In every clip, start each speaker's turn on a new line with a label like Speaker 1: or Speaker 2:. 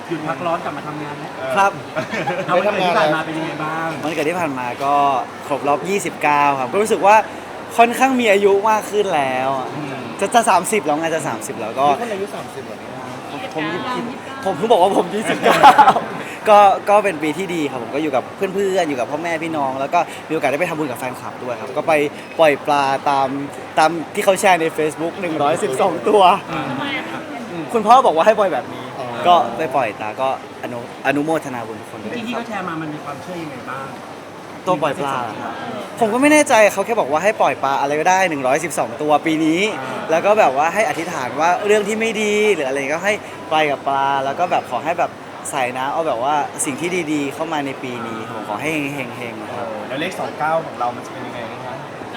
Speaker 1: หยุดพักร้อนกลับมาทำงานแล้ว
Speaker 2: ครับ
Speaker 1: เอาวันเกิดที่ผ่านมาเป็นยังไงบ้าง
Speaker 2: วันเกิดที่ผ่านมาก็ครบรอบ 29 ครับก็รู้สึกว่าค่อนข้างมีอายุมากขึ้นแล้วจะ30แล้วไงจะ30แล้วก็
Speaker 3: คนอายุ30แบบนี้นะ
Speaker 2: ผมเพิ่งบอกว่าผม 29 ก็เป็นปีที่ดีครับผมก็อยู่กับเพื่อนๆอยู่กับพ่อแม่พี่น้อง แล้วก็มีโอกาสได้ไปทำบุญกับแฟนคลับด้วยครับก็ไปปล่อยปลาตามที่เขาแชร์ใน Facebook 112 ตัว คุณพ่อบอกว่าให้ปล่อยแบบนี้ ก็ไปปล่อยตาก็อนุโมทนาบุญทุกคนด้วย
Speaker 1: ที่เขาแชร์มามันมีความเชื่อยังไงบ้าง
Speaker 2: ตัวปล่อยปลาเหรอครับผมก็ไม่แน่ใจเขาแค่บอกว่าให้ปล่อยปลาอะไรก็ได้112 ตัวปีนี้ แล้วก็แบบว่าให้อธิษฐานว่าเรื่องที่ไม่ดีหรืออะไรก็ให้ไปกับปลาแล้วก็แบบขอให้แบบใส่น้ำเอาแบบว่าสิ่งที่ดีๆ เข้ามาในปีนี้ผมขอให้เฮงๆนะครับ
Speaker 3: แล้วเลข29ของเรามันจะเป็นยังไงคะ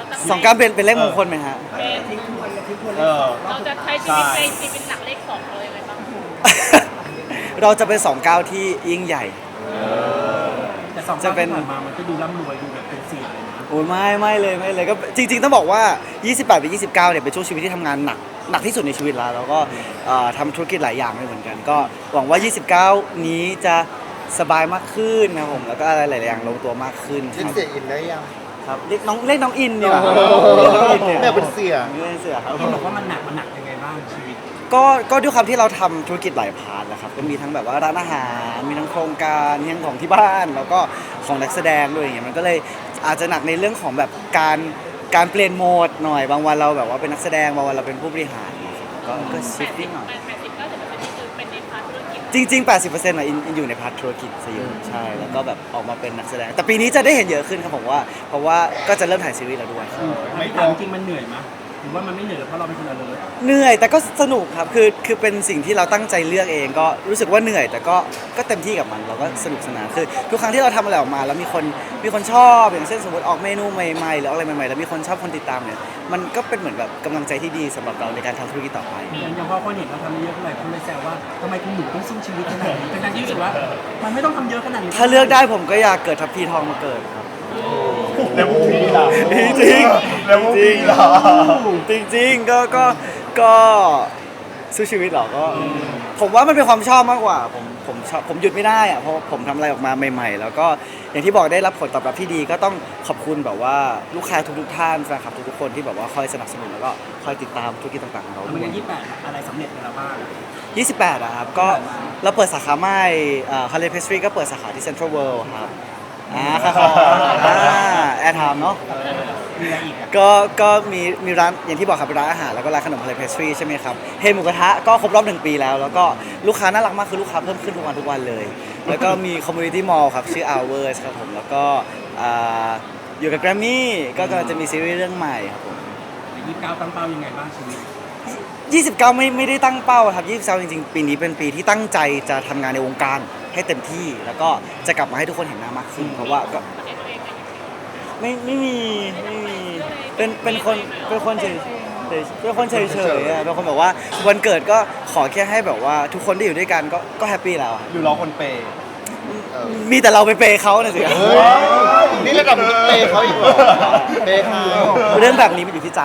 Speaker 2: 29เป็นเลขมงคลไหมฮะ
Speaker 4: เราจะใช้ชีวิตในชีวิตหลักเลขสองเลยไหมบ้าง
Speaker 2: เราจะเป็น29ที่ยิ่งใหญ่
Speaker 1: แต่สอง
Speaker 2: จะเป็น
Speaker 1: ที่ผ่านมามันก็ดูร่ำรวยดูแบบเป็นเสียเลยนะ
Speaker 2: โอ้ยไม่เลยก็จริงๆต้องบอกว่า 28ไป29เนี่ยเป็นช่วงชีวิตที่ทำงานหนักที่สุดในชีวิตแล้วก็ทำธุรกิจหลายอย่างด้วยเหมือนกัน ก็หวังว่า 29 นี้จะสบายมากขึ้นนะผมแล้วก็อะไรหลายๆอย่างลงตัวมากขึ้น
Speaker 3: เรียกเสียอินได้ยัง
Speaker 2: ครับเรียกน้องอินเนี่ย
Speaker 3: โอ้โห
Speaker 2: เรียกน้องอินเนี่ย
Speaker 3: แม่เป็นเสี่ย
Speaker 2: เรียกเสือครับ
Speaker 1: ที่บอกว่ามันหนักยังไงบ้างชีวิต
Speaker 2: ก็ด้วยความที่เราทำธุรกิจหลายพาร์ทนะครับก็มีทั้งแบบว่าร้านอาหารมีทั้งโครงการมีทั้งของที่บ้านแล้วก็ของนักแสดงด้วยอย่างเงี้ยมันก็เลยอาจจะหนักในเรื่องของแบบการเปลี่ยนโหมดหน่อยบางวันเราแบบว่าเป็นนักแสดงบางวันเราเป็นผู้บริหารก็ชิฟติ้งหน่อย
Speaker 4: 80-90%นี่คือเป็นในพาร์ทธุรกิจ
Speaker 2: จริงๆ 80%อ่ะอินอยู่ในพาร์ทธุรกิจซะเยอะใช่แล้วก็แบบออกมาเป็นนักแสดง แต่ปีนี้จะได้เห็นเยอะขึ้นครับผมว่าเพราะว่าก็จะเริ่มถ่ายซีรีส์แล้วด้วย
Speaker 1: ไม่ถามจริงมันเหนื่อยไหมหรือว่ามันไม่เหนื่อยเพราะเราเป็นคนละเลย
Speaker 2: เหนื่อยแต่ก็สนุกครับคือเป็นสิ่งที่เราตั้งใจเลือกเองก็รู้สึกว่าเหนื่อยแต่ก็เต็มที่กับมันเราก็สนุกสนานคือทุกครั้งที่เราทำอะไรออกมาแล้วมีคนชอบอย่างเช่นสมมติออกเมนูใหม่ๆหรืออะไรใหม่ๆแล้วมีคนชอบคนติดตามเนี่ยมันก็เป็นเหมือนแบบกำลังใจที่ดีสำหรับเราในการทำธุรกิจต่อไป
Speaker 1: อย่างพอคนเห็นเราทำเยอะเท่าไหร่คนเลยแซวว่าทำไมคุณหนูต้องสู้ชีวิตขนาดนี้เป็นการที่รู้สึกว่ามันไม่ต้องทำเยอะขนาดนี้
Speaker 2: ถ้าเลือกได้ผมก็อยากเกิดทัพพีทองมาเกิดครับ
Speaker 3: แล้วพวกพี่ล่ะ
Speaker 2: จริง
Speaker 3: แล้วพวกพี่ล่ะ
Speaker 2: จริงๆก็สู้ชีวิตเหรอก็ผมว่ามันเป็นความชอบมากกว่าผมชอบผมหยุดไม่ได้อะเพราะผมทำอะไรออกมาใหม่ๆ แล้วก็อย่างที่บอกได้รับผลตอบรับที่ดีก็ต้องขอบคุณแบบว่าลูกค้าทุกๆท่านแฟนคลับทุกๆคนที่แบบว่าคอยสนับสนุนแล้วก็คอยติดตามธุรกิจต่างๆของเรา
Speaker 1: ทำ
Speaker 2: ด้
Speaker 1: ไม
Speaker 2: วย
Speaker 1: 28อะไรสำเร็จไปแล้วบ้าง
Speaker 2: 28อะครับก็เราเปิดสาขาใหม่ฮาร์เลย์เพสทรีก็เปิดสาขาที่เซ็นทรัลเวิลด์ครับค่ะแอร์ไทม์เนาะ
Speaker 1: มีอะไรอีกอ่ะ
Speaker 2: ก็มีร้านอย่างที่บอกครับเป็นร้านอาหารแล้วก็ร้านขนมฮาร์เลย์เพสทรีใช่ไหมครับเฮหมูกระทะก็ครบรอบ1 ปีแล้วแล้วก็ลูกค้าน่ารักมากคือลูกค้าเพิ่มขึ้นทุกวันเลย แล้วก็มีคอมมูนิตี้มอลล์ครับชื่อ Hours ครับผมแล้วก็อยู่กับแกรมมี่ก็กำลังจะมีซีรีส์เรื่องใหม่ครับผม
Speaker 1: 29ตั้งเป้ายังไงบ้างชีวิต
Speaker 2: 29ไม่ได้ตั้งเป้าครับ29จริงๆปีนี้เป็นปีที่ตั้งใจจะทำงานในวงการให้เต็มที่แล้วก็จะกลับมาให้ทุกคนเห็นหน้ามากขึ้นเพราะว่าก็
Speaker 4: ประเทศตัวเองไหม
Speaker 2: ไม่มีเป็นคนเฉยเป็นคนเฉยๆอะเป็นคนแบบว่าวันเกิดก็ขอแค่ให้แบบว่าทุกคนที่อยู่ด้วยกันก็แฮปปี้แล้วอะ
Speaker 3: อยู่รอคนเปย์
Speaker 2: มีแต่เราไปเปย์เขาน่ะสิ
Speaker 3: เฮ้ยนี่ระดับมึงเปย์เขาอีกเหรอเปย์เขา
Speaker 2: เรื่องแบบนี้มันอยู่ที่ใจ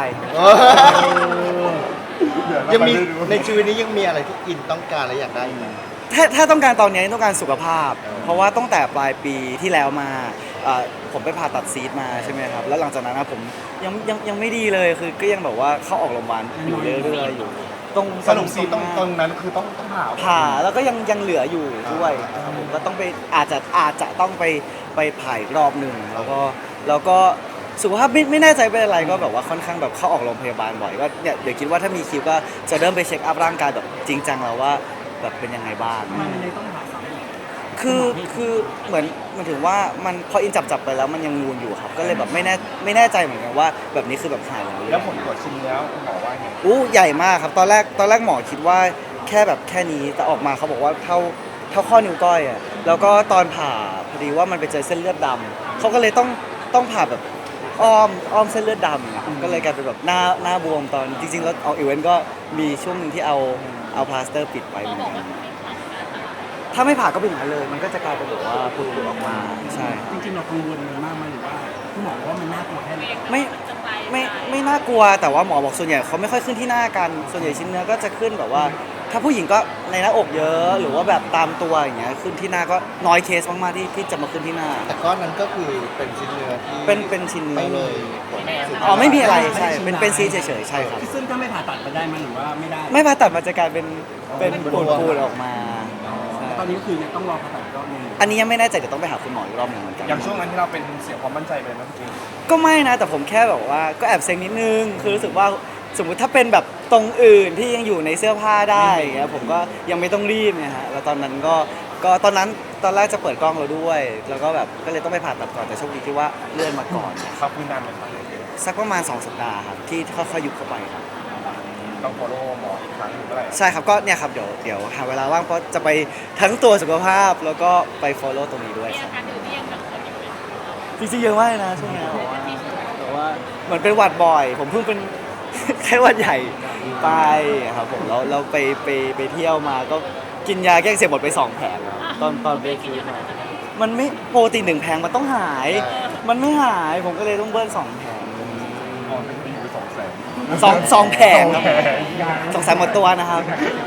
Speaker 3: ยังมีในชีวิตนี้ยังมีอะไรที่อินต้องการและอยากได้ไหม
Speaker 2: ถ้าต้องการตอนนี้ต้องการสุขภาพ เพราะว่าตั้งแต่ปลายปีที่แล้วมาผมไปผ่าตัดซีสมาใช่ไหมครับแล้วหลังจากนั้นนะผมยังไม่ดีเลยคือก็ยังแบบว่าเข้าออกโรงพยาบาลอยู่เรื่อยๆอยู่ตรง
Speaker 3: สรุปซีตรงนั้นคือต้อง
Speaker 2: ผ่าแล้วก็ยังเหลืออยู่ด้วยครับผมก็ต้องไปอาจจะต้องไปผ่าอีกรอบหนึ่งแล้วก็สุขภาพไม่แน่ใจเป็นอะไรก็แบบว่าค่อนข้างแบบเข้าออกโรงพยาบาลบ่อยก็เนี่ยเดี๋ยวคิดว่าถ้ามีคิวก็จะเริ่มไปเช็คอัพร่างกายแบบจริงจังแล้วว่าแบบเป็นยังไงบ้าง
Speaker 1: ทำไมมันเลยต้องหาสามี
Speaker 2: คือเหมือนถึงว่ามันพออินจับไปแล้วมันยังงูนอยู่ครับ ก็เลยแบบไม่แน่ใจเหมือนกันว่าแบบนี้คือแบบหายแล้วหรือ
Speaker 3: แล้ว
Speaker 2: ยัง
Speaker 3: ผลตรวจชิ้นแล้วคุณหมอว่าไง
Speaker 2: ใหญ่มากครับตอนแรกหมอคิดว่าแค่นี้แต่ออกมาเขาบอกว่าเท่าข้อนิ้วก้อยอ่ะแล้วก็ตอนผ่าพอดีว่ามันไปเจอเส้นเลือดดำเขาก็เลยต้องผ่าแบบอ้อมเส้นเลือดดำก็เลยกลายเป็นแบบหน้าบวมตอนจริงๆแล้วเอาอีเวนต์ก็มีช่วงหนึงที่เอาพลาสเตอร์ปิดไปเหมือนกันถ้าไม่ผ่าก็เป็นอย่างนั้นเลย มันก็จะกลายเป็นแบบว่าผุดออกมาใช่
Speaker 1: จริงๆเรากังวลมันมากไหมหรือว่าคุณหมอบอกว่ามันน่ากลัวแค่ไหน
Speaker 2: ไม่
Speaker 4: จะไป
Speaker 2: ไม่น่ากลัวแต่ว่าหมอบอกส่วนใหญ่เขาไม่ค่อยขึ้นที่หน้ากันส่วนใหญ่ชิ้นเนื้อก็จะขึ้นแบบว่า ถ้าผู้หญิงก็ในหน้าอกเยอะ หรือว่าแบบตามตัวอย่างเงี้ยขึ้นที่หน้าก็น้อยเคสมากๆที่จะมาขึ้นที่หน้า
Speaker 3: แต่ก้อนนั้นก็คือเป็นชิ้นเนื้อที่
Speaker 2: เป็นชิ้นเนื้อ
Speaker 3: ไม่
Speaker 2: เล
Speaker 3: เลย ย
Speaker 2: อ๋อไม่มีอะไรใช่เป็นซีเฉยๆใช่ครับ
Speaker 1: ซึ่งถ้าไม่ผ่าตัดมันได้ไหมหรือว่าไม่ได้
Speaker 2: ไม่ผ่าตัดมันจะกลายเป็นปูดๆออกมาใช่
Speaker 1: ตอนนี้ก็คือยังต้องรอผ่าตัดอีกรอบนึง
Speaker 2: อันนี้ยังไม่แน่ใจเดี๋ยวต้องไปหาคุณหมออีกรอบหนึ่งเหมือนกัน
Speaker 5: อย่างช่วงนั้นที่เราเป็นเสียความมั่นใจไปไหมพี่เกศ
Speaker 2: ก็ไม่นะแต่ผมแค่แบบว่าก็แอบเซ็งนิดนึงคือรู้สึกว่าสมมุติถ้าเป็นแบบตรงอื่นที่ยังอยู่ในเสื้อผ้าได้อย่างเงี้ยผมก็ยังไม่ต้องรีบไงฮะแล้วตอนนั้นก็ตอนแรกจะเปิดกล้องเราด้วย แล้วก็แบบก็เลยต้องไปผ่าตัดก่อนแต่โชคดีที่ว่าเลื่อนมาก่อน
Speaker 5: ครับพื้นนานไหมครับพี่เกศ
Speaker 2: สักประมาณ2 สัปดาห์ครับที่ค่อยๆยุบเข้าไปครับ
Speaker 5: ต้อง follow หมออีกครั้งหนึ่งเมื่อไหร่
Speaker 2: ใช่ครับก็เนี่ยครับเดี๋ยวหาเวลาว่างเพราะจะไปทั้งตัวสุขภาพแล้วก็ไป follow ตรงนี้ด้วย
Speaker 4: มี
Speaker 2: ค
Speaker 4: อา
Speaker 2: รับ
Speaker 4: การอื่นที่ยังกังวลอยู่ไหม
Speaker 2: จริงๆเยอะมากเลยนะช่วงนี้แต่ว่าเหมือนเป็นหวัดบ่อย ผมเพิ่งเป็น ไข้หวัดใหญ่ไปครับผมแล้วเราไปเที่ยวมาก็กินยาแก้อักเสบหมดไป2 แผงตอนไปคิวมามันไม่โปรตีน1 แผงมันต้องหาย มันไม่หายผมก็เลยต้องเบิ้ล2 แผง
Speaker 5: อ๋อเป็นปีไป200,000
Speaker 2: สองแผงครับ200,000หมดตัวนะครับ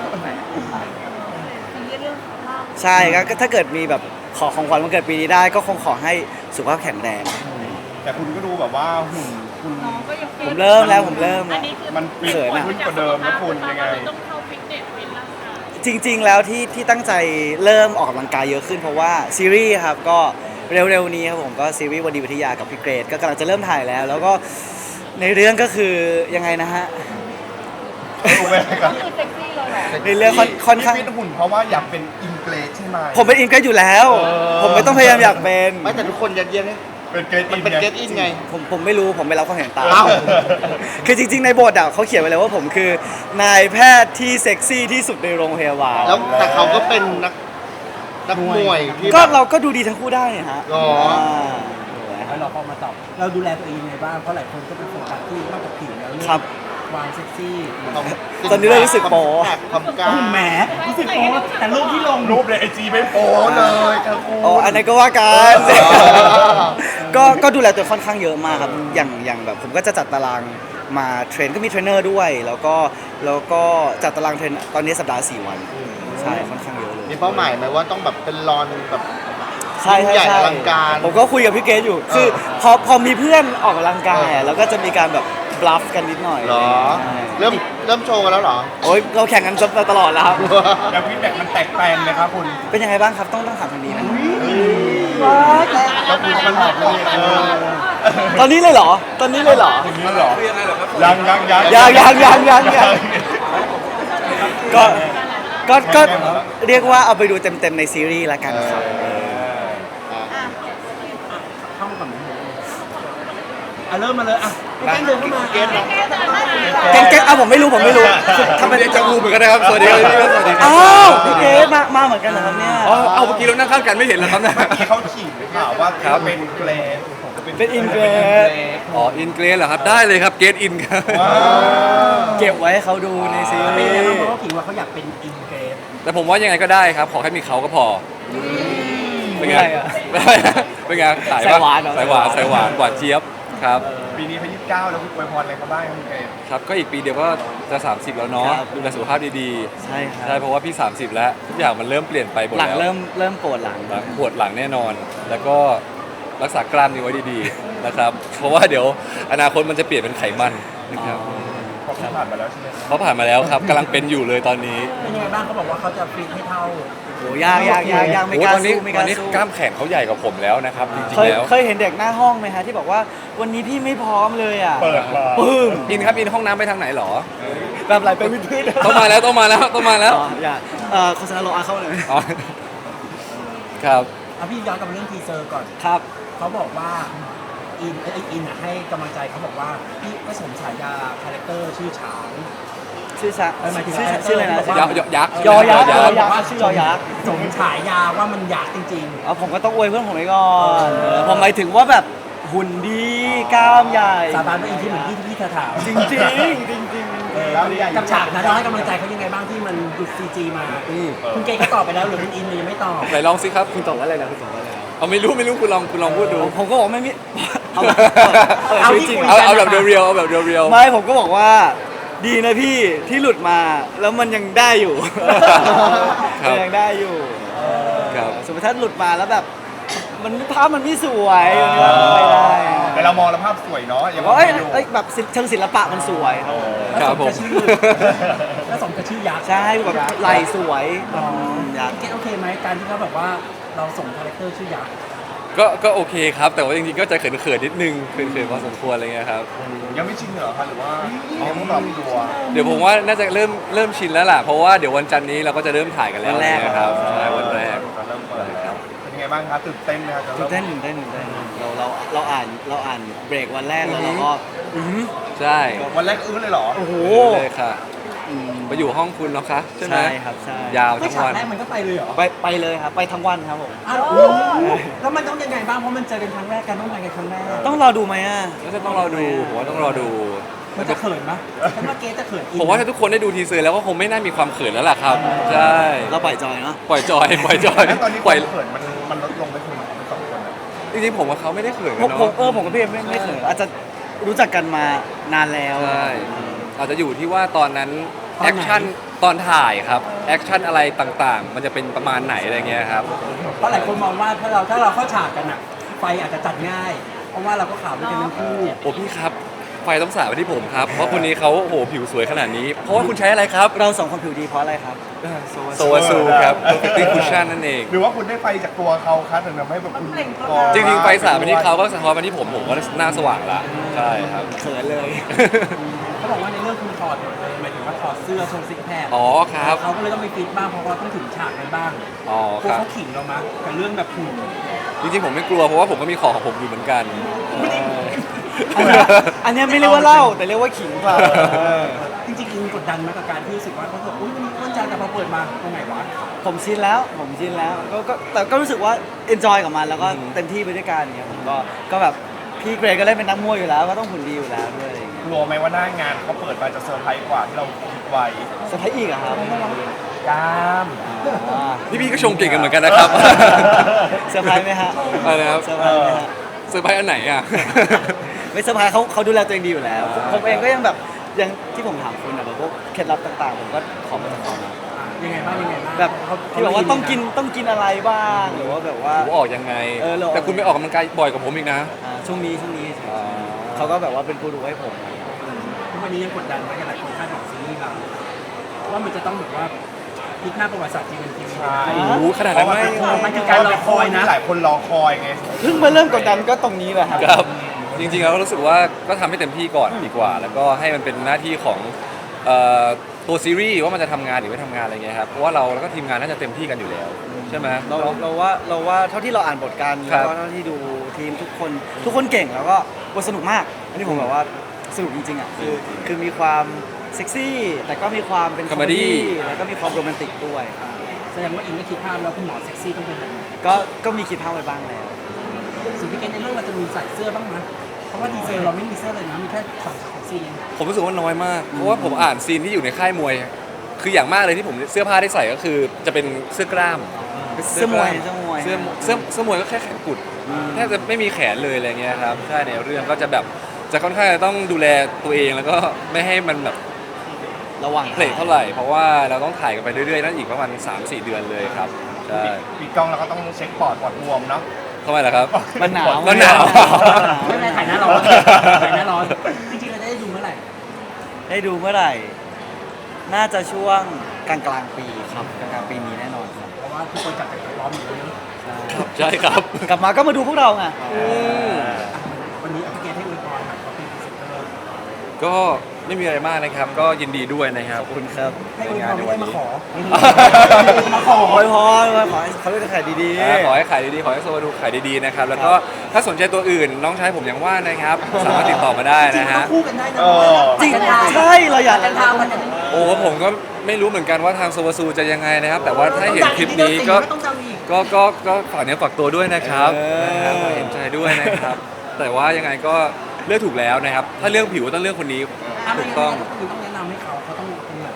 Speaker 2: ใช่ก็ถ้าเกิดมีแบบขอของขวัญวันเกิดปีนี้ได้ก็คงขอให้สุขภาพแข็งแรง
Speaker 5: แต่คุณก็ดูแบบว่าหุ่นคุณ
Speaker 4: น้องก็ยัง
Speaker 2: ผมเริ่มแล้วผมเริ่ม
Speaker 4: อั
Speaker 2: แล้
Speaker 4: น
Speaker 2: ว
Speaker 4: นี้คือ
Speaker 5: มันเปลี่ยน
Speaker 2: เขินอะ
Speaker 5: ขึ้นกว่าเดิมนะคุณยังไง
Speaker 4: ต้องเข้าฟิตเนสเป็นร่างกาย
Speaker 2: จริงๆ แล้วที่ตั้งใจเริ่มออกกำลังกายเยอะขึ้นเพราะว่าซีรีส์ครับก็เร็วๆนี้ครับผมก็ซีรีส์วันดีวิทยากับพี่เกรดก็กำลังจะเริ่มถ่ายแล้ว แล้วก็ในเรื่องก็คือยังไงนะฮะ
Speaker 5: รู้ไหมครับ
Speaker 4: คือเซ็กซี่เลยเหรอ
Speaker 2: ในเรื่องค่อนข้าง
Speaker 5: ที่ฟิตหุ่นเพราะว่าอยากเป็นอินเกรสใช่ไหม
Speaker 2: ผมเป็นอินเกรดอยู่แล้ว ผมไม่ต้องพยายามอยากเป็น
Speaker 3: ไม่แต่ทุกคนยัดเยียดให้
Speaker 5: เป็นเกรส
Speaker 3: มั
Speaker 5: อิ
Speaker 3: น
Speaker 5: น
Speaker 3: เป็น
Speaker 5: ไง
Speaker 3: เกตอินไง
Speaker 2: ผมไม่รู้ผมไม่รับความเห็นตาม
Speaker 3: อ้าว
Speaker 2: คือจริงๆ ในบทอ่ะเขาเขียนไว้เลยว่าผมคือนายแพทย์ที่เซ็กซี่ที่สุดในโรงพยาบาล
Speaker 3: แล้วแต่เขาก็เป็นนักมวยที่
Speaker 2: ก็
Speaker 3: แบบ
Speaker 2: เราก็ดูดีทั้งคู่ได้เนี่ยฮะ
Speaker 3: อ๋อ
Speaker 1: แล้วเราพอมาตอบเราดูแลตัวเองยังไงบ้างเพราะหลายคนก็เป็นโฟกัสที่นอกจากผิวแล้วเรื่อง
Speaker 2: ครับ
Speaker 1: ความเซ็กซี่
Speaker 2: ตอนนี้เริ่มรู้สึกโป๊
Speaker 3: ความกล้า
Speaker 1: แหมรู้สึกโป๊แต่รูปที่ลง
Speaker 5: รูปในไอจีไม่โป๊เลยครับคุณ
Speaker 2: อ๋ออันนั้นก็ว่ากัน ก็ดูแลตัวค่อนข้างเยอะมากครับอย่างแบบผมก็จะจัดตารางมาเทรนก็มีเทรนเนอร์ด้วย แล้วก็จัดตารางเทรนตอนนี้สัปดาห์4 วันใช่ค่อนข้างเยอะเลย
Speaker 3: มีเป้าหมายไหมว่าต้องแบบเป็นรอนแบบ
Speaker 2: ใช่
Speaker 3: ยิ่งใหญ่อลังการ
Speaker 2: ผมก็คุยกับพี่เกรซอยู่ คือพอมีเพื่อนออกกำลังกายอะแล้วก็จะมีการแบบบลัฟกันนิดหน่อย
Speaker 3: เหรอ
Speaker 2: ใช่
Speaker 3: เริ่มโชว์กันแล้วเหรอ
Speaker 2: โอ้ยเราแข่งกันมาตลอดแล้วครับ
Speaker 5: แล้วฟีดแบ็กมันแตกแปลงเลยครับคุณ
Speaker 2: เป็นยังไงบ้างครับต้องถามทางนี้นะ
Speaker 5: แล้วคุณมันบอกเลย
Speaker 2: ตอนนี้เลยเหรอ ตอนนี้เลยเหรอ
Speaker 5: อย่างนี้เหรอยัง
Speaker 2: ยังก็เรียกว่าเอาไปดูเต็มๆในซีรีส์ละกันครับ
Speaker 1: เข้ามาก่อนเริ่มมาเลยแกล้งเดินเข้ามา
Speaker 3: เกรซเนอะ
Speaker 2: เก่งๆผมไม่รู้ทำไม
Speaker 6: เรียกจะงูเหมือนกันนะครับ สวัสดีครับพี่สวัสดีครั
Speaker 2: อ้าวพี่เกรซมาเหมือนกันเหรอครับเนี่ย
Speaker 6: อ๋อเอาเมื่อกี้เรานั่งข้างกันไม่เห็นเหรอครับเนี่ย
Speaker 5: ที่เขาฉีดข่าวว่าเขาเป็นเกรส
Speaker 2: เป็นอินเกรซ
Speaker 6: อ๋ออินเกรสเหรอครับ ได้เลยครับเกตอินครับ
Speaker 2: เก็บไว้ให้เขาดูในซี
Speaker 1: เป็น
Speaker 2: รี
Speaker 1: ยังไง
Speaker 2: ส์
Speaker 1: บ้างเพราะว่าขิงว่าเขาอยากเป็นอินเกรส
Speaker 6: แต่ผมว่ายังไงก็ได้ครับ ขอให้มีเขาก็พอเป็นไง
Speaker 2: อะไรอะ
Speaker 6: เป็นไงสาย
Speaker 2: สายหวานเหรอ
Speaker 6: สายหวานหวานเจี๊ยบครับ
Speaker 5: ปีนี้เขา29แล้วคุณอวยพรอะไรเขาบ้างครับคุณเกรส
Speaker 6: ครับก็อีกปีเดียวก็จะ 30 แล้วเนาะ
Speaker 2: ครับ
Speaker 6: ดูแลสุขภาพดี
Speaker 2: ใช่ค
Speaker 6: ๆ
Speaker 2: รั
Speaker 6: ใช่
Speaker 2: บ
Speaker 6: เพราะว่าพี่ 30 แล้วทุกอย่างมันเริ่มเปลี่ยนไปหมด
Speaker 2: หลัง
Speaker 6: แล้ว
Speaker 2: เริ่มปวดหลัง
Speaker 6: หลังปวดหลังแน่นอน แล้วก็รักษากล้ามเนื้อไว้ดีๆนะครับ เพราะว่าเดี๋ยวอนาคตมันจะเปลี่ยนเป็นไขมันนะครับ
Speaker 5: เพราะเขาผ่านมาแล้วใช่ไหม
Speaker 6: เขาผ่านมาแล้วครับกำลังเป็นอยู่เลยตอนนี้
Speaker 1: เป็นยังไงบ้างเขาบอกว่าเขาจะฟิตให้เท่า
Speaker 2: โหยากไม่
Speaker 6: โอ้
Speaker 2: กล้า
Speaker 6: ตอนนี้
Speaker 2: สู้ไม่ก
Speaker 6: ตอ
Speaker 2: ล้าน
Speaker 6: นี้
Speaker 2: สู้
Speaker 6: กล้ามแขนเขาใหญ่กว่าผมแล้วนะครับจริง
Speaker 2: เคย
Speaker 6: ๆแล้ว
Speaker 2: เคยเห็นเด็กหน้าห้องไหมฮะที่บอกว่าวันนี้พี่ไม่พร้อมเลยอ่ะ
Speaker 5: เปิดมา
Speaker 2: ปึ้ม
Speaker 6: อินครับอินห้องน้ำไปทางไหนหรอ
Speaker 2: แบบไหลไปวิดพื้น
Speaker 6: ต้องมาแล้วต้องมาแล้ว
Speaker 2: อ๋ออย่าโฆษณาโลอาเข้าเลย
Speaker 6: อ๋อครับ
Speaker 1: เอาพี่ย้อนกลับมาเรื่องทีเซอร์ก่อน
Speaker 2: ครับ
Speaker 1: เขาบอกว่าอินให้กำลังใจเขาบอกว่าพี่ก็สมฉายาคาแรคเตอร์ชื่อฉาง
Speaker 2: ชื่อชา
Speaker 1: หมายถึง
Speaker 2: ชื่ออะไรนะ
Speaker 1: บอกว่า
Speaker 6: ยักษ์
Speaker 2: ยอยักษ์
Speaker 6: ย
Speaker 2: ย
Speaker 6: อ
Speaker 2: อ
Speaker 6: ยักษ์
Speaker 2: ยักษ์ชื่อยอยักษ์
Speaker 1: สมฉายาว่ามันยักษ์จริง
Speaker 2: ผมก็ต้องอวยเพื่อนผมไว้ก่อนผมหมายถึงว่าแบบหุ่นดีกล้ามใหญ่
Speaker 1: ๆ สาบานว่าอินที่เหมือนที่เธอถาม
Speaker 2: จริงจริงจริงจริง
Speaker 1: กับฉากนั้นเราให้กำลังใจเขายังไงบ้างที่มันดุดซีจีมาคุณเกย์ก็ตอบไปแล้วหรือคุณอินยังไม่ตอบ
Speaker 6: ไหนลองสิครับ
Speaker 2: คุณตอบว่าอะไรนะคุณตอบว่าอะไรนะ
Speaker 6: เอาไม่รู้คุณลองพูดดู
Speaker 2: ผมก็บอกไม่มีเอาชีวิตจริง
Speaker 6: เอาแบบเรียวๆเอาแบบเรียวๆ
Speaker 2: ไม่ผมก็บอกว่าดีนะพี่ที่หลุดมาแล้วมันยังได้อยู่
Speaker 6: ครับ
Speaker 2: มันยังได้อยู่
Speaker 6: ครับ
Speaker 2: สมมติถ้าหลุดมาแล้วแบบมันภาพมันไม่สวยมันก็ไม่ได้
Speaker 5: แต่เรามองแล้วภาพสวยเนาะอย่าง
Speaker 2: ว่า
Speaker 5: ว่า
Speaker 2: เอ้ยแบบเชิงศิลปะมันสวย
Speaker 6: ครับผม
Speaker 1: แล้วสมกับชื่อยักษ์
Speaker 2: ใช่แบบไหลสวยอยาก
Speaker 1: เกตโอเคไหมการที่เขาแบบว่าเราส่งคาแรคเตอร์ชื่อยักษ์
Speaker 6: ก็โอเคครับ แต่ว่าจริงๆก็จะเขินๆนิดนึงเขินๆพอสมควรอะไรเงี้ยครับ
Speaker 5: ยังไม่ชินเหรอคะหรือว่ายังไม่ปรับตัว
Speaker 6: เดี๋ยวผมว่าน่าจะเริ่มชินแล้วล่ะเพราะว่าเดี๋ยววันจันทร์นี้เราก็จะเริ่มถ่ายกันแล้วนะครับใช่วันแรก
Speaker 5: เริ่มเปิดแล้วเป็นยังไงบ้างครับตื่นเต้นไหมครับจะ
Speaker 2: ตื่
Speaker 5: เริ่
Speaker 2: น
Speaker 5: ม
Speaker 2: เต้นเราอ่านเบรกวันแรกแล้วเราก็อื้อ
Speaker 6: ใช่
Speaker 5: วันแรกอื้อเลยเหรอ
Speaker 2: โอ้โห
Speaker 6: เลยค่ะไปอยู่ห้องคุณเนาะคะใช่ไหม
Speaker 2: ใช่ครับใช่
Speaker 6: ยาว
Speaker 1: ไม่
Speaker 6: ทั้ง
Speaker 1: ฉาก
Speaker 6: วัน
Speaker 1: แรกมันก็ไปเลยเหรอ
Speaker 2: ไปเลยครับไปทั้งวันครับผม
Speaker 1: อ้าวแล้วมันต้องยังไงบ้างเพราะมันเจอกันครั้งแรกกันต้องมากันครั้งแรก
Speaker 2: ต้องรอดูไหมอ่ะ
Speaker 6: แล้วจะต้องรอดูผมว่าต้องรอดู
Speaker 1: มันจะเขินไหมฉันว่าเกตจะเขินอิน
Speaker 6: ผมว่าถ้าทุกคนได้ดูทีเซอร์แล้วก็คงไม่น่ามีความเขินแล้วล่ะครับใช่
Speaker 2: เราปล่อยจอยเนาะ
Speaker 6: ปล่อยจอยปล่อยจอย
Speaker 5: แล้วตอนนี้ค
Speaker 6: ปล่อยว
Speaker 5: ามเขินมันลดลงไปคุณสองคนอะ
Speaker 6: จริงๆผมกับเขาไม่ได้เขิน
Speaker 2: ผ
Speaker 6: กัน
Speaker 2: ม
Speaker 6: เนาะ
Speaker 2: ผมกับพี่เอ็มไม่เขินอาจจะรู้จักกันมานานแล้ว
Speaker 6: ใช่อาจจะอยู่ที่ว่าตอนนั้นแอคชั่นตอนถ่ายครับแอคชั่นอะไรต่างๆ มันจะเป็นประมาณไหนอะไรเงี้ยครับ
Speaker 1: เพราะหลายคนมองว่าถ้าเราเข้าฉากกันอะไฟอาจจะจัดง่าย เพราะว่าเราก็ข่าวด้วยกันทั้งคู่
Speaker 6: โอ้พี่ครับไฟต้องสาดไปที่ผมครับเพราะคนนี้เขาโอ้โหผิวสวยขนาดนี้ เพราะว่าคุณใช้อะไรครับ
Speaker 2: เราสองคนผิวดีเพราะอะไรครับ
Speaker 6: โซวาซูครับ Perfecting Cushion นั่นเอง
Speaker 5: หรือว่าคุณได้ไฟจากตัวเขาครับถึงทำให้แบบคุณ
Speaker 6: จริงๆไฟสาดไปที่เขาก็สะท้อนมาที่ผมก็หน้าสว่างละใช่ครับ
Speaker 2: เขินเลย
Speaker 1: เขาบอกว่าในเรื่องคุณถอดหมดเลยหมายถึงว่าถอดเสื้อโชว์ซิกแพค
Speaker 6: อ๋อครับ
Speaker 1: เขาก็เลยต้องไปฟิตบ้างเพราะว่าต้องถึงฉากกันบ้าง
Speaker 6: อ๋อ
Speaker 1: พว
Speaker 6: ค
Speaker 1: ก
Speaker 6: รับ
Speaker 1: เขาขิงเรามากับเรื่องแบบหุ่น
Speaker 6: จริงๆผมไม่กลัวเพราะว่าผมก็มีของของผมอยู่เหมือนกัน
Speaker 2: อันเนี้ยไม่เรียกว่าเล่าแต่เรียกว่าขิงเปล่า
Speaker 1: จริงๆอินกดดันมากับการที่รู้สึกว่าเขาบอกอุ้ยมันมีอ้วนจังแต่พอเปิดมาตรงไหนวะ
Speaker 2: ผมชินแล้วแต่ก็รู้สึกว่าเอนจอยกับมันแล้วก็เต็มที่ไปด้วยกันเนี่ยผมก็แบบพี่เกรย์ก็เล่นเป็นนักมวยอยู่แล้วก็ต้องหุ่นดีอยู่แล้วด้วยอะไรอย่างเงี้ย
Speaker 5: กลัวไหมว่าหน้างานเขาเปิดมาจะเซอร์ไพรส์กว่าที่เราคิดไว้
Speaker 2: เซอร์ไพรส์อีกอะครับ
Speaker 5: กล้าม
Speaker 2: อ่า
Speaker 6: พี่ๆก็ชงเก่งกันเหมือนกันนะครับ
Speaker 2: เซอร์ไพรส์ไหมฮะ
Speaker 6: อะไรนะครับ
Speaker 2: เซอร์ไพรส์ไหมฮะ
Speaker 6: เซอร์ไพรส์อันไหนอ่ะ
Speaker 2: ไม่เซอร์ไพรส์เขาดูแลตัวเองดีอยู่แล้ว ผมเองก็ยังแบบยังที่ผมถามคุณอะแบบพวกเคล็ดลับต่างๆ ผมก็ขอมาจากเขานะ
Speaker 1: ยังไงบ้างยังไงบ้าง
Speaker 2: แบบ
Speaker 1: เขา
Speaker 2: ที่บอกว่าต้องกินอะไรบ้างหรือว่าแบบว่า
Speaker 6: ผมออกยังไง
Speaker 2: เออเราออก
Speaker 6: แต่คุณไปออกกำลังกายบ่อยกว่าผมอีกนะ
Speaker 2: ช่วงนี้เขาก็แบบว่าเป็นกูรูให้ผม
Speaker 1: ทุกวันนี้ยังกดดันไหมกับหลายคนคาดหวังซีรีส์เราว่ามันจะต้องแบบว่าพลิกหน้าประวัติศาสตร์จีนเป็นทีวี
Speaker 5: ใช่
Speaker 6: โอ้โหขนาดนั้นไหม
Speaker 1: มันคือการรอคอยนะ
Speaker 5: หลายคนรอคอยไง
Speaker 2: เพิ่งมาเริ่มกดดันก็ตรงนี้แหละครับ
Speaker 6: ครับ จริงๆแล้วก็รู้สึกว่าก็ทำให้เต็มที่ก่อนดีกว่า แล้วก็ให้มันเป็นหน้าที่ของตัวซีรีส์ว่ามันจะทำงานหรือไม่ทำงานอะไรเงี้ยครับเพราะว่าเราแล้วก็ทีมงานน่าจะเต็มที่กันอยู่แล้วใช่ไหม
Speaker 2: เราว่าเท่าที่เราอ่านบทกัน
Speaker 6: ครั
Speaker 2: แล้ว
Speaker 6: บ
Speaker 2: ก็เท่าที่ดูทีมทุกคนเก่งแล้วก็บทสนุกมาก อันนี้ผมแบบว่าสนุกจริงๆอ่ะคือมีความเซ็กซี่ แต่ก็มีความเป็นคอมเมดี้แล้วก็มีความโรแมนติกด้วย
Speaker 1: แสดงว่าอินไม่คิดภาพแล้วคุณหมอเซ็กซี่ต้องเป็นแบบไหน
Speaker 2: ก็มีคิดภาพไว้บ้างแล้ว
Speaker 1: ส่วนพี่เกณในเรื่องเราจะมีใส่เสื้อบ้างไหมเพราะว่าดีเซลเราไม่มีเสื้อเลยนะมีแค่สองเซ็กซี่
Speaker 6: ผมรู้สึกว่าน้อยมาก เพราะว่าผมอ่านซีนที่อยู่ในค่ายมวย คืออย่างมากเลยที่ผมเสื้อผ้าได้ใส่ก็คือจะเป็นเสื้อกล้าม
Speaker 2: เสื้อมวย
Speaker 6: เสื้อมวยก็แค่แขนกุดแทบจะไม่มีแขนเลยอะไรเงี้ยครับใช่ในเรื่องก็จะแบบจะค่อนข้างจะต้องดูแลตัวเองแล้วก็ไม่ให้มันแบบ
Speaker 2: ระวัง
Speaker 6: เพลทเท่าไหร่เพราะว่าเราต้องถ่ายกันไปเรื่อยๆนั่นอีกประมาณ 3-4 เดือนเลยครับใช่
Speaker 5: ปีกล้องเราก็ต้องเช็คปอดบวมเนาะ
Speaker 6: ทำไมล่ะครับ
Speaker 2: มันหนาว
Speaker 6: มันหนาว
Speaker 1: ไม่เป็นไรถ่ายหน้าร้อนถ่ายหน้าร้อนจริงๆเราจะได้ดูเมื่อไหร่
Speaker 2: ได้ดูเมื่อไหร่ น่าจะช่วงกลางปีครับกลางปีนี้แน่นอนครับ
Speaker 1: เพราะว่าทุกคนจับจากร้อนหมดเลยนะ
Speaker 6: ใช่ครับ
Speaker 2: กลับมาก็มาดูพวกเราไง
Speaker 1: วันนี้พี่เกณให้อวยพรครับเขาเป็นพรีเซนเตอร์
Speaker 6: ก็ไม่มีอะไรมากนะครับ ก็ยินดีด้วยนะครับ
Speaker 2: ขอบคุณครับ
Speaker 1: ให้อวยพรไม่ได้มาขอ
Speaker 2: มาขอขอให้เขาได้ขายดี
Speaker 6: ขอให้ขายดีๆ ขอให้โซวาดูขายดีๆนะครับ แล้วก็ถ้าสนใจตัวอื่นน้องชายผมยังว่างนะครับ สามารถติดต่อมาได้
Speaker 1: จริง
Speaker 6: นะ
Speaker 1: ๆต้อ
Speaker 6: ฮะ
Speaker 1: งคู่กันได้นะ
Speaker 2: จริงใช่เราอยาก
Speaker 1: กันทางมันจะ
Speaker 6: โอ้ผมก็ไม่รู้เหมือนกันว่าทางโซวาซูจะยังไงนะครับ แต่ว่าถ้าเห็นคลิปนี้ก็
Speaker 1: ต้องดังอีก
Speaker 6: ก็ฝากเนื้อฝากตัวด้วยนะครับนะครับเห็นใจด้วยนะครับ แต่ว่ายังไงก็เลือกถูกแล้วนะครับ ถ้าเรื่องผิวต้องเลือกคนนี้ถูกต้อง
Speaker 1: คือต้องแนะนำให้เขาต้องตรงไหนหมาย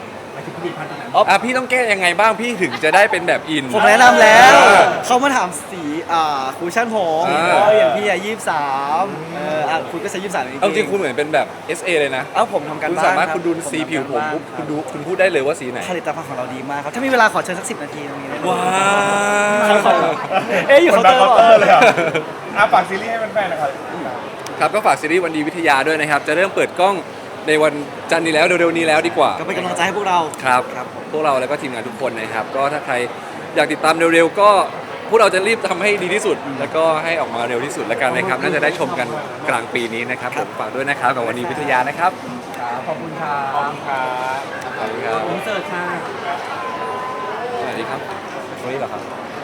Speaker 1: ถึงผลิตภัณฑ์ตัวไหน
Speaker 6: พี่ต้องแก้ยังไงบ้างพี่ถึงจะได้เป็นแบบอิน
Speaker 2: ผมแนะนำแล้วเขามาถามสีคูชั่นผม
Speaker 6: อ่า
Speaker 2: อย่างพี่23คุณก็ใช้23
Speaker 6: เอาจริงคุณเหมือนเป็นแบบ SA เลยนะ
Speaker 2: ผมทำการ
Speaker 6: คุณ
Speaker 2: บ้าน
Speaker 6: สามารถ
Speaker 2: บ
Speaker 6: คุณดู
Speaker 2: ผ
Speaker 6: สี
Speaker 2: ทำ
Speaker 6: ผิวผม
Speaker 2: การบ้าน
Speaker 6: ปุ๊บ
Speaker 2: รับ
Speaker 6: คุณพูดได้เลยว่าสีไหน
Speaker 2: ผลิตภัณฑ์ของเราดีมากครับ ถ้ามีเวลาขอเชิญสัก10 นาทีตรงนี้ได้ไหม
Speaker 6: ว้า
Speaker 2: ครับ
Speaker 6: ว
Speaker 2: อยู่
Speaker 5: คน
Speaker 2: เคาน์
Speaker 5: ดั
Speaker 2: เต
Speaker 5: ง
Speaker 2: อร์
Speaker 5: เคาน์เตอร์เลยเหรอฝากซีรีส์ให้แฟนๆนะครับ
Speaker 6: ครับก็ฝากซีรีส์วันดีวิทยาด้วยนะครับ จะเริ่มเปิดกล้องในวันจันทร์นี้แล้วเร็วๆนี้แล้วดีกว่า
Speaker 2: ก็เป็นกำลังใจให้พวกเรา
Speaker 6: ครับ
Speaker 2: ครับ
Speaker 6: พวกเราแล้วก็ทีมงานทุกคนนะครับ ก็ถ้าใครอยากติดตามเร็วๆก็พวกเราจะรีบทำให้ดีที่สุด แล้วก็ให้ออกมาเร็วที่สุดแล้วกันนะครับ น่าจะได้ชมกันกลางปีนี้นะครับผมฝากด้วยนะครับกับวันดีวิทยานะครับ
Speaker 1: ครับขอบคุณครับ
Speaker 5: ขอบคุณครับ
Speaker 6: ขอบคุณครับ
Speaker 1: อินเสิร์ตค่ะ
Speaker 6: สวัสดีครับตรงนี้เหรอครับ